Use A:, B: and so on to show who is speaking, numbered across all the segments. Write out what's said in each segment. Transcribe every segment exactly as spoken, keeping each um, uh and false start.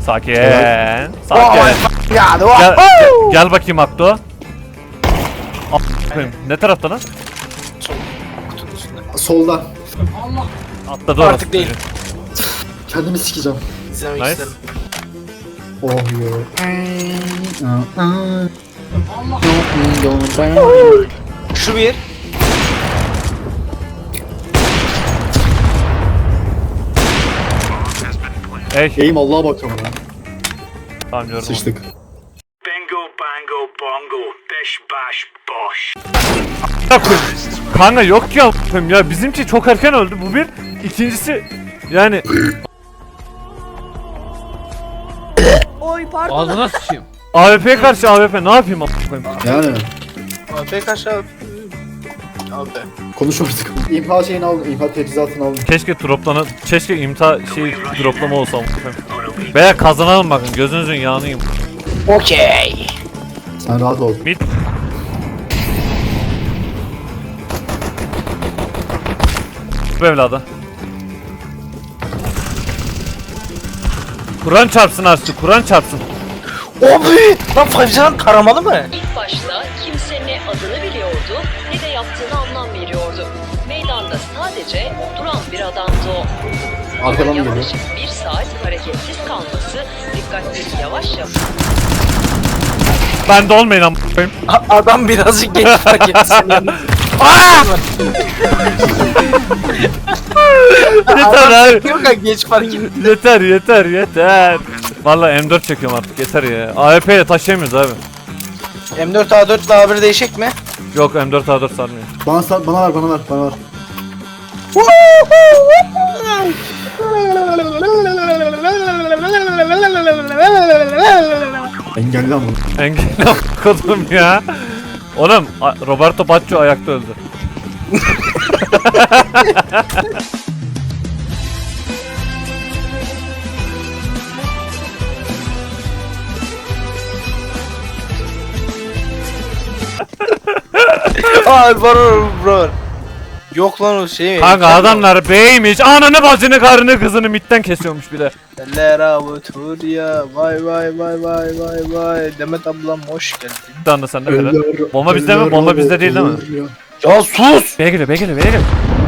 A: Sakin. Sakin.
B: Ya
A: Gel, gel, gel bakayım Akdo. A- Ne tarafta lan?
B: Solda.
A: Atladı orası.
C: Artık değil.
B: Kendimi sikeceğim.
C: İzlemek
A: Nice.
C: isterim.
B: Oh yo.
C: Şu bir.
A: Ey.
B: Eğim Allah'a bakıyorum lan.
A: Tamam gördüm.
B: Sıçtık.
D: Bingo, bango, bongo, bish, bash, bosh.
A: onu. Kanka yok ya ya bizimki çok erken öldü bu bir. İkincisi yani
E: Oy pardon.
F: Ağzına sıçayım.
A: A W P'ye karşı A W P ne yapayım a**ayım?
B: Yani.
C: A P kaç abi? Abi.
B: Konuş artık. İmha şeyini aldım. İmha teçhizatını aldım.
A: Keşke droplana, keşke imta şey droplama olsa a**ayım. Veya kazanalım bakın gözünüzün yağını yiyeyim.
C: Okey.
B: Sen rahat ol.
A: Mid. Bu evladı. Kur'an çarpsın Arslı, Kur'an çarpsın.
C: Abi! Lan Fabrizio'dan taramalı mı?
G: İlk başta kimse ne adını biliyordu ne de yaptığına anlam veriyordu. Meydanda sadece duran bir adamdı o.
B: Arkadan
G: Ama
B: geliyor.
G: yaklaşık bir saat hareketsiz kalması dikkatleri yavaş yavaş
A: Ben de olmayın a**ayım.
C: A- adam birazcık geç fark etti seni.
A: Yeter abi.
C: Yok ya geç fark etti.
A: Yeter yeter yeter. Vallahi M dört çekiyorum artık yeter ya. A W P ile taşıyamıyoruz abi.
C: M dört A dört ile A bir değişik mi?
A: Yok M dört A dört sarmıyor.
B: Bana, sar- bana ver, bana ver, bana ver. Engelli ama.
A: Engel okudum ya. Oğlum A- Roberto Baggio ayakta öldü.
C: Abi var bro. Yok lan o şey mi?
A: Kanka adamlar beymiş. Ananı bacını karını kızını mitten kesiyormuş bir de.
C: Eller avutur ya. Vay vay vay vay vay vay. Demet ablam hoş geldin.
A: Bir anda sende kadar. Bomba bizde mi? Bomba bizde değil değil mi?
C: Ya sus!
A: B'ye geliyor B'ye geliyor B'ye geliyor.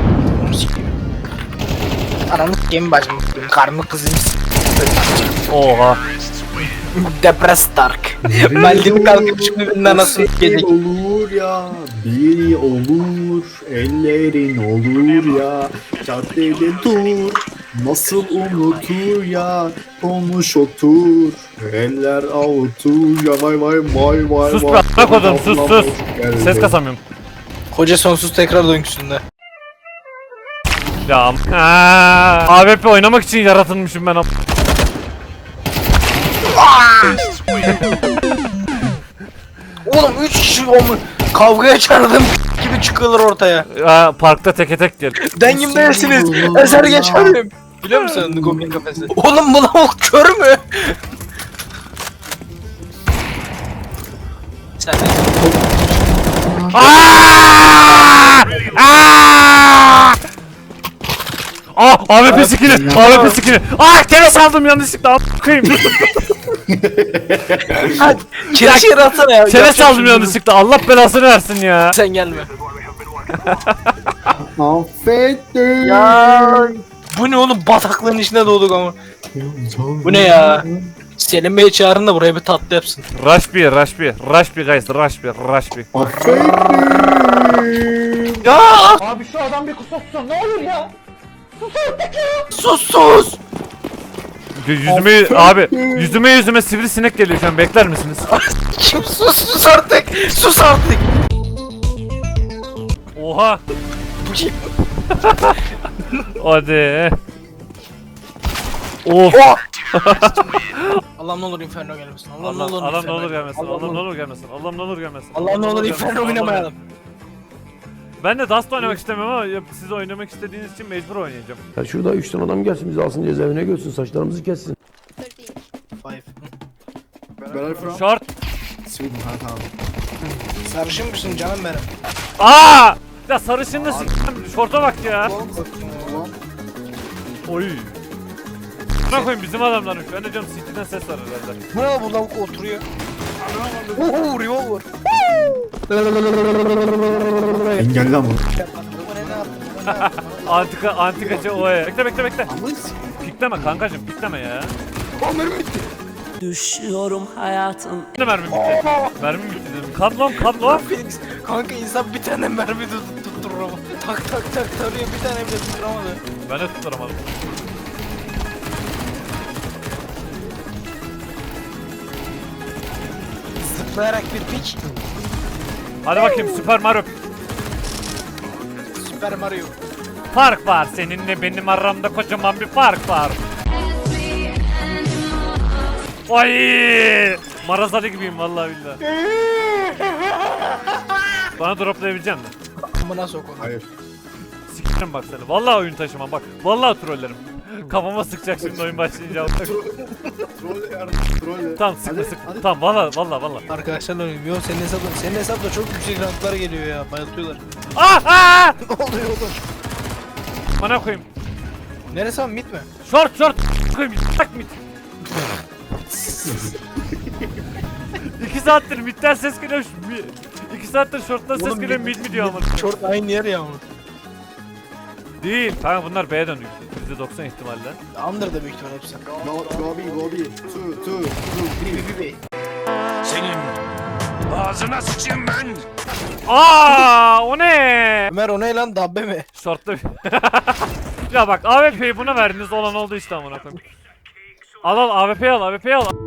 C: Ananı s**eyim bacım. Karnı kızım.
A: Oha.
C: Depres Dark. Maldini kalkıp şimdi birinin anasını
B: Bir
C: s**eyim.
B: olur ya, bir olur, ellerin olur ya, caddede dur, nasıl unutur ya, konuş otur, eller avutur ya, vay vay vay vay
A: Sus be
B: vay.
A: a**a kodum sus sus.
B: Geldi.
A: Ses kasamıyorum.
C: Koca sonsuz tekrar döngüsünde.
A: Ya am- Aa, A W P oynamak için yaratılmışım ben am-
C: Oğlum üç kişi olmuş. Kavgaya çağırdım gibi çıkıyorlar ortaya.
A: Aa, parkta teke tek gel.
C: Dengim değilsiniz. Eser geçerim. Biliyor musun Goblin kafesi? Oğlum bu lavuk kör mü? Sen de
A: Aaaa! Aaaa! Ah, A W P skill'i, A W P skill'i. Ah, kere saldım yanlışlıkla a**ayım.
C: hadi kere şey atsana ya.
A: Kere saldım yanlışlıkla. Allah belasını versin ya.
C: Sen gelme.
B: Affettim.
C: Ya bu ne oğlum bataklığın içine doğduk ama. Bu ne ya? Selim Bey'i çağırın da buraya bir tatlı yapsın.
A: Rush bir, rush bir, rush bir guys, rush bir, rush bir.
B: Affettim.
C: Ya
E: Abi şu adam bir kusursun ne olur ya.
C: sus sus.
A: Yüzüme abi, yüzüme yüzüme sivrisinek geliyor şu an. Bekler misiniz?
C: Kim sus sus artık. Sus artık.
A: Oha.
C: Bu kim?
A: Hadi. Of.
C: Oh! Allah'ım ne olur Inferno gelmesin. Allah'ım ne
A: Allah
C: olur
A: Allah ne
C: Inferno
A: olur gelmesin.
C: Allah'ım
A: Allah ne
C: ne
A: olur gelmesin. Allah ne olur gelmesin.
C: Allah'ım ne olur Inferno
A: gelmesin,
C: oynamayalım.
A: Ben de Dust oynamak istemiyorum ama ya siz oynamak istediğiniz için mecbur oynayacağım.
F: Ya şurada üç tane adam gelsin bizi alsın cezaevine götürsün saçlarımızı kessin.
C: Five.
B: Where are you from?
A: Short.
B: Sweden, ha tamam.
C: Sarışın mısın canım benim?
A: Aa! Ya sarışınlı s***im. Şorta bak ya. Oy. Ne koyayım bizim adamlarmış. Ben de diyorum City'den ses var herhalde.
C: Bu ne bu lavuk oturuyor. Ooo revolver.
B: Engelle ama.
C: Bu ne ne yaptı? Bu ne yaptı?
A: Antika antikacı oya. Bekle bekle bekle.
B: Ama s-
A: Pikleme kankacım pikleme ya.
E: Düşüyorum hayatım.
A: Ne mermim bitti? Mermim bitti dedim. Kan lan kan lan.
C: Phoenix, kanka insan bir tane mermi tut tutturur ama. Tak tak tak tarıyor bir tane bile tutturamadı.
A: Ben de tutturamadım.
C: Zıplayarak bir pik.
A: Hadi bakayım Super Mario.
C: Super Mario.
A: Fark var seninle benim aramda kocaman bir fark var. Ay! Marazali gibiyim vallahi billahi. Bana droplayabilecek misin?
C: Amına sok onu.
B: Hayır.
A: Sikerim bak seni. Vallahi oyun taşımam bak. Vallahi trollerim. Kafama sıkacak şimdi oyun başlayınca.
B: Troll yardım. Troll.
A: Tamam sıkma
B: Hadi,
A: sıkma.
B: hadi.
A: Tamam vallahi vallahi vallahi.
C: Arkadaşlarla oynuyorum. Yo senin hesapta, senin hesapta çok yüksek ranklar geliyor ya. Bayıltıyorlar.
A: Ah ah!
C: Ne oluyor oğlum?
A: Bana koyayım.
C: Neresi abi mit mi?
A: Short short koyayım. Tak mid. İki saattir midden ses geliyor. şu- mi- İki saattir shorttan ses
C: Oğlum,
A: geliyor
C: mid-
A: mid mi diyor ama.
C: Short aynı yer ya ama.
A: Değil. Kanka bunlar B'ye döndü. yüzde doksan ihtimalle.
C: Under'da büyük ihtimal hepsi.
B: Go, go B, go B. Two, two, two, three.
D: Ağzına sıçayım ben.
A: Aa, o ne?
C: Ömer o ne lan dabbe mi?
A: Short'ta bir- Ya bak A W P'yi buna verdiniz olan oldu işte amına koyayım. Al al A W P'yi al A W P'yi al.